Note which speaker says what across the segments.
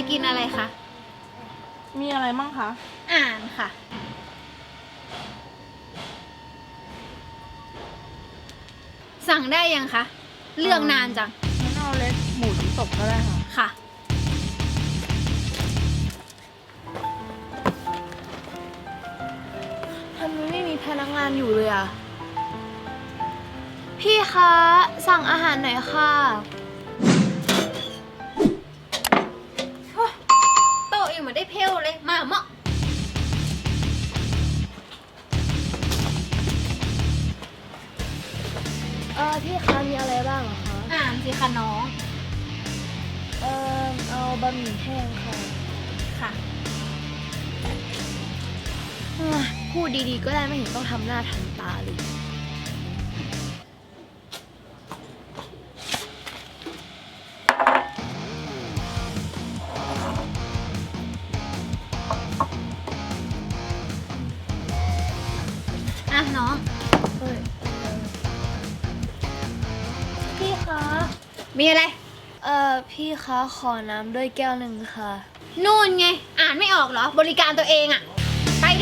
Speaker 1: กินอะไรคะ
Speaker 2: มีอะไรมั่งคะ
Speaker 1: อ่านค่ะ สั่งได้ยังคะ เลือกนานจัง
Speaker 2: งั้นเอาเล็กหมูชิ้นตกก็ได้ค่ะ
Speaker 1: ค่ะ
Speaker 2: ทำไมไม่มีพนักงานอยู่เลยอ่ะ
Speaker 3: พี่คะ สั่งอาหารหน่อยค่ะ
Speaker 1: โตะเองมาได้เพลเลย มาเหมาะ
Speaker 3: พี่คะมีอะไรบ้างเหรอคะ
Speaker 1: อ่านสิคะน้อง
Speaker 3: เอาบะหมี่แห้งค่ะ
Speaker 1: ค่ะ
Speaker 3: พูดดีๆก็ได้ไม่เห็นต้องทำหน้าทำตาเลย
Speaker 1: อ่ะน้อง
Speaker 3: พี่คะ
Speaker 1: มีอะไร
Speaker 3: พี่คะขอน้ำด้วยแก้วหนึ่งค่ะ
Speaker 1: นู่นไง อ่านไม่ออกเหรอ บริการตัวเองอะไปดิ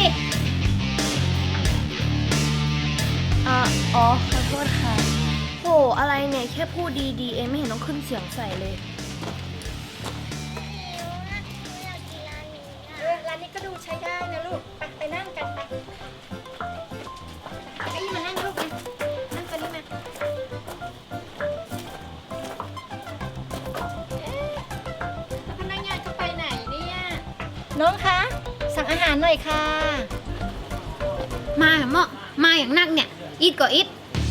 Speaker 3: อ๋อ ขอโทษค่ะโหอะไรเนี่ย แค่พูดดีๆเองไม่เห็นต้องขึ้นเสียงใส่เลย
Speaker 1: ร้านนี้ก็ดูใช้ได้นะลูก ไปนั่งกันไปหาเก้าอี้มานั่งลูกนะนั่งกันนี่มาพนักงานเขาไปไหนเนี่ย
Speaker 4: น้องคะ สั่งอาหารหน่อยค่ะ
Speaker 1: มาเหมาะมาอย่างนักเนี่ย อิดก็อิด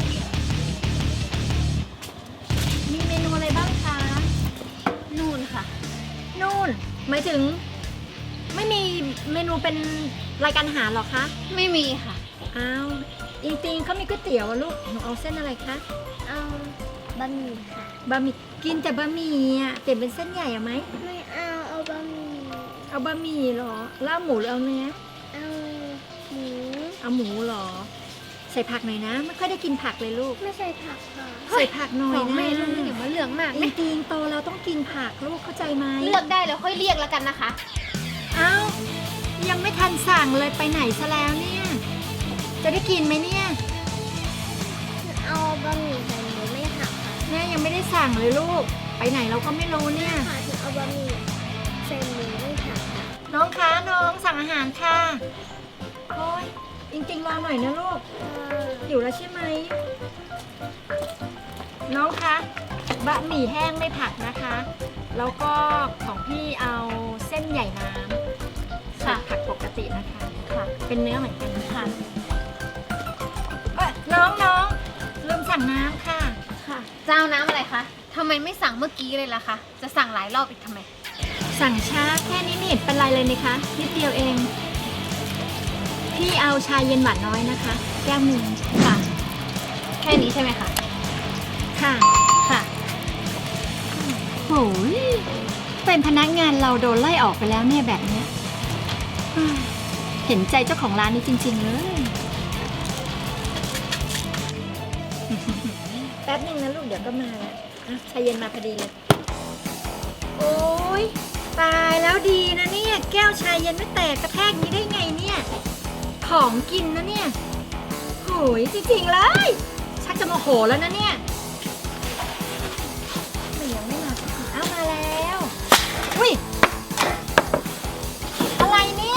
Speaker 4: มีเมนูอะไรบ้างคะ
Speaker 1: นู่นค่ะ
Speaker 4: นู่นหมายถึง ไม่มีเมนูเป็นรายการอาหารหรอคะ
Speaker 1: ไม่มีค่ะ
Speaker 4: อ้าวจริงๆเขามีก๋วยเตี๋ยวอะลูกหนูเอาเส้นอะไรคะ
Speaker 3: เอาบะหมี่ค่ะ
Speaker 4: บะหมี่กินแต่บะหมี่อะเปลี่ยนเป็นเส้นใหญ่อะไหม
Speaker 3: ไม่เอาบะหมี่
Speaker 4: เอาบะหมี่เหรอแล้วเอาหมูหรือเอาเนื้อ
Speaker 3: เอาหมู
Speaker 4: เอาหมูเหรอ ใส่ผักหน่อยนะ ไม่ค่อยได้กินผักเลยลูก
Speaker 3: ไม่ใส่ผักค่ะ
Speaker 4: ใส่ผักหน่อย
Speaker 1: ของ
Speaker 4: นะ
Speaker 1: แม่ลูกนี่อย่ามาเหลืองมาก
Speaker 4: จ
Speaker 1: นะ
Speaker 4: ริงๆโตเราต้องกินผักลูกเข้าใจไหม
Speaker 1: เลือกได้แล้วค่อยเรียกแล้วกันนะคะ
Speaker 4: เอ้ายังไม่ทันสั่งเลยไปไหนซะแล้วเนี่ย จะได้กินไหมเนี่ย
Speaker 3: เอาบะหมี่ใส่หมูไม่ผักค่ะ
Speaker 4: แม่ยังไม่ได้สั่งเลยลูก ไปไหนเราก็ไม่รู้เนี่ย
Speaker 3: ค่ะถึงเอาบะหมี่ใส่หมูไม่ผักค่ะ
Speaker 4: น้องคะน้องสั่งอาหารค่ะโอ้ยจริงๆรอหน่อยนะลูกหิวแล้วใช่ไหมน้องคะบะหมี่แห้งไม่ผักนะคะ แล้วก็ของพี่เอาเส้นใหญ่น้ำ
Speaker 1: ค่ะ
Speaker 4: ผักปกตินะคะค่ะ เป็นเนื้อเหมือนกันค่ะน้องลืมสั่งน้ำค่ะ
Speaker 1: ค่ะเจ้าน้ำอะไรคะทำไมไม่สั่งเมื่อกี้เลยล่ะคะ จะสั่งหลายรอบอีกทำไม
Speaker 4: สั่งช้าแค่นี้ไม่เห็นเป็นไรเลยนี่คะนิดเดียวเอง พี่เอาชาเย็นหวานน้อยนะคะ แก้วหนึ่ง
Speaker 1: ค่ะ แค่นี้ใช่ไหมคะ
Speaker 4: ค่ะ
Speaker 1: ค่ะ
Speaker 4: โหยเป็นพนักงานเราโดนไล่ออกไปแล้วเนี่ยแบบเนี้ยเห็นใจเจ้าของร้านนี้จริงๆเลย แป๊บนึงนะลูกเดี๋ยวก็มาแล้วชาเย็นมาพอดีเลย โอ้ยตายแล้วดีนะเนี่ย แก้วชาเย็นไม่แตกกระแทกนี้ได้ไงเนี่ย ของกินนะเนี่ยโหยจริงๆเลย ชักจะโมโหแล้วนะเนี่ยแต่ยังไม่มาสักทีอ้าวมาแล้ว อุ้ย อะไรเนี่ย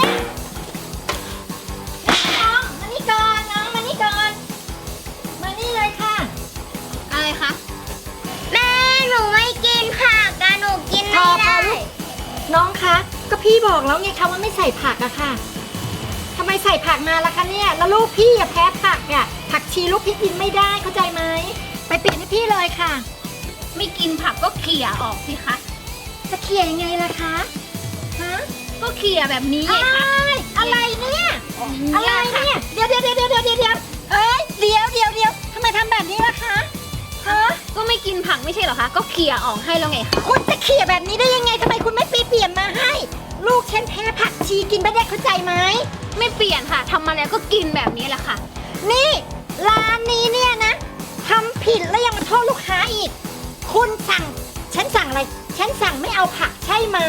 Speaker 4: น้องมานี่ก่อนน้องมานี่ก่อน มานี่เลยค่ะ
Speaker 1: อะไรคะ
Speaker 3: แม่หนูไม่กินผักอะหนูกิน
Speaker 4: พอ
Speaker 3: ไม่ได้
Speaker 4: ลูกน้องคะ ก็พี่บอกแล้วไงคะว่าไม่ใส่ผักอะค่ะทำไมใส่ผักมาล่ะคะเนี่ย แล้วลูกพี่อะแพ้ผักอะผักชีลูกพี่กินไม่ได้เข้าใจไหม ไปเปลี่ยนให้พี่เลยค่ะ
Speaker 1: ไม่กินผักก็เขี่ยออกสิคะ
Speaker 4: จะเขี่ยยังไงล่ะคะ ฮะ
Speaker 1: ก็เขี่ยแบบนี้ไงคะ
Speaker 4: อะไรเนี่ย อะไร
Speaker 1: ค่ะ
Speaker 4: เนี่ย เดี๋ยวเอ้ยเดี๋ยวทำไมทำแบบนี้ล่ะคะ ฮะ
Speaker 1: ก็ไม่กินผักไม่ใช่เหรอคะ ก็เขี่ยออกให้แล้วไงคะ
Speaker 4: คุณจะเขี่ยแบบนี้ได้ยังไงทำไมคุณไม่เปลี่ยนมาให้ ลูกฉันแพ้ผักชีกินไม่ได้เข้าใจไหม
Speaker 1: ไม่เปลี่ยนค่ะทำมาแล้วก็กินแบบนี้แหละค่ะ
Speaker 4: นี่ร้านนี้เนี่ยนะทำผิดแล้วยังมาโทษลูกค้าอีก คุณสั่ง ฉันสั่งอะไร ฉันสั่งไม่เอาผักใช่ไหมแล้ว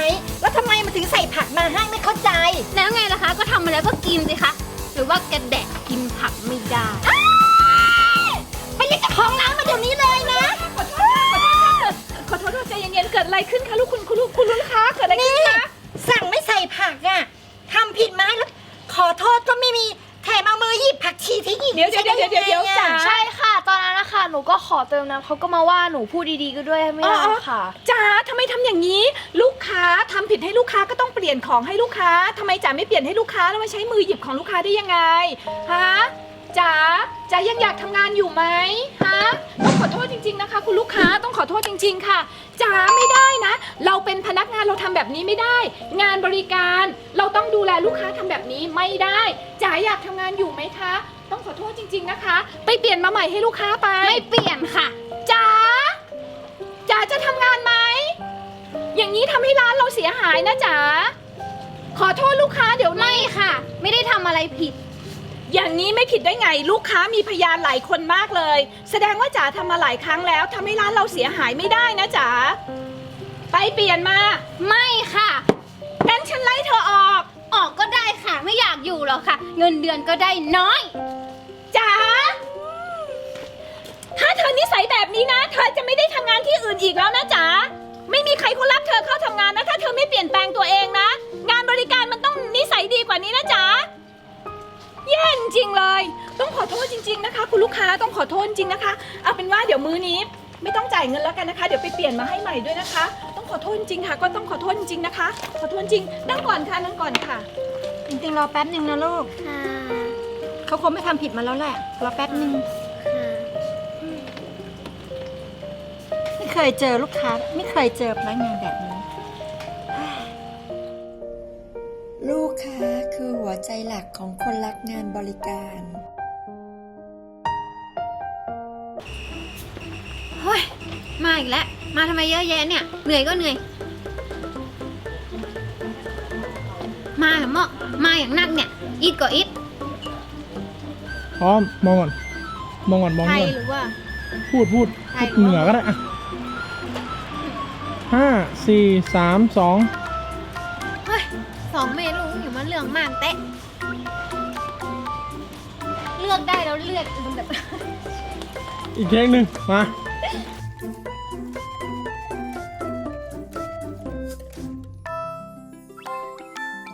Speaker 4: แล้วทำไมมันถึงใส่ผักมาให้ไม่เข้าใจ
Speaker 1: แล้วไงล่ะคะ ก็ทำมาแล้วก็กินสิคะ หรือว่าแกแดกกินผักไม่ได้
Speaker 4: ไปเรียกเจ้าของร้านมาเดี๋ยวนี้เลยนะ
Speaker 2: ขอโทษใจเย็นๆ เกิดอะไรขึ้นคะลูกคุณลูกค้าเกิดอะไรขึ้น
Speaker 4: นี่
Speaker 2: คะ
Speaker 4: สั่งไม่ใส่ผักอ่ะทำผิดไหมแล้วขอโทษก็ไม่มีแถมเอามือหยิบผักชีทิ้งอีก
Speaker 2: เดี๋ยวจ๋า
Speaker 3: ใช่ค่ะ ตอนนั้นนะคะหนูก็ขอเติมน้ำเขาก็มาว่าหนูพูดดีๆก็ด้วยไม่ได้ค่ะ
Speaker 2: จ๋าทำไมทำอย่างนี้ ลูกค้าทำผิดให้ลูกค้าก็ต้องเปลี่ยนของให้ลูกค้าทำไมจ๋าไม่เปลี่ยนให้ลูกค้าแล้วมาใช้มือหยิบของลูกค้าได้ยังไงฮะจ๋ายังอยากทำงานอยู่ไหมฮะต้องขอโทษจริงๆนะคะ คุณลูกค้าต้องขอโทษจริงๆค่ะจ๋าไม่ได้นะ เราเป็นพนักงานเราทำแบบนี้ไม่ได้ งานบริการเราต้องดูแลลูกค้าทำแบบนี้ไม่ได้จ๋าอยากทำงานอยู่ไหมคะ ต้องขอโทษจริงๆนะคะ ไปเปลี่ยนมาใหม่ให้ลูกค้าไป
Speaker 1: ไม่เปลี่ยนค่ะ
Speaker 2: จ๋าจะทำงานไหมอย่างนี้ทำให้ร้านเราเสียหายนะจ๋าขอโทษลูกค้าเดี๋ยวนี้
Speaker 1: ไม่ค่ะ ไม่ได้ทำอะไรผิด
Speaker 2: อย่างนี้ไม่ผิดได้ไงลูกค้ามีพยานหลายคนมากเลย แสดงว่าจ๋าทำมาหลายครั้งแล้วทำให้ร้านเราเสียหายไม่ได้นะจ๋าไปเปลี่ยนมา
Speaker 1: ไม่ค่ะ
Speaker 2: งั้นฉันไล่เธอออก
Speaker 1: ออกก็ได้ค่ะ ไม่อยากอยู่หรอกค่ะ เงินเดือนก็ได้น้อย
Speaker 2: จ๋าถ้าเธอนิสัยแบบนี้นะเธอจะไม่ได้ทำงานที่อื่นอีกแล้วนะจ๋าไม่มีใครเขารับเธอเข้าทำงานนะถ้าเธอไม่เปลี่ยนแปลงตัวเองนะ งานบริการมันต้องนิสัยดีกว่านี้นะจ๋าแย่จริงเลย ต้องขอโทษจริงๆนะคะ คุณลูกค้าต้องขอโทษจริงๆนะคะ เอาเป็นว่าเดี๋ยวมื้อนี้ไม่ต้องจ่ายเงินแล้วกันนะคะ เดี๋ยวไปเปลี่ยนมาให้ใหม่ด้วยนะคะ ต้องขอโทษจริงๆค่ะ ก็ต้องขอโทษจริงๆนะคะ ขอโทษจริงนั่งก่อนค่ะนั่งก่อนค่ะ
Speaker 4: จริงๆรอแป๊บหนึ่งนะลูก
Speaker 3: ค่ะ
Speaker 4: เขาคงไม่ทำผิดมาแล้วแหละรอแป๊บหนึ่ง
Speaker 3: ค่ะ
Speaker 4: ไม่เคยเจอลูกค้าไม่เคยเจอพนักงานแบบนี้
Speaker 5: ลูกค้าคือหัวใจหลักของคนรักงานบริการ
Speaker 1: เฮ้ย มาอีกแล้ว มาทำไมเยอะแยะเนี่ย เหนื่อยก็เหนื่อย มาเหรอหมอมาอย่างนักเนี่ย อิดก็อิด
Speaker 6: พร้อมมองก่อนมองก่อนมอง
Speaker 1: ไท
Speaker 6: ก่
Speaker 1: ย
Speaker 6: อน
Speaker 1: หรือว่า
Speaker 6: พูด
Speaker 1: ไทย
Speaker 6: เหนือก็ได้อะ5 4 3 2
Speaker 1: เฮ้ย2 เมนูอยู่มาเรื่องมากเตะเลือกได้แล้วเลือกแบบ
Speaker 6: อีกเพลงหนึ่งมา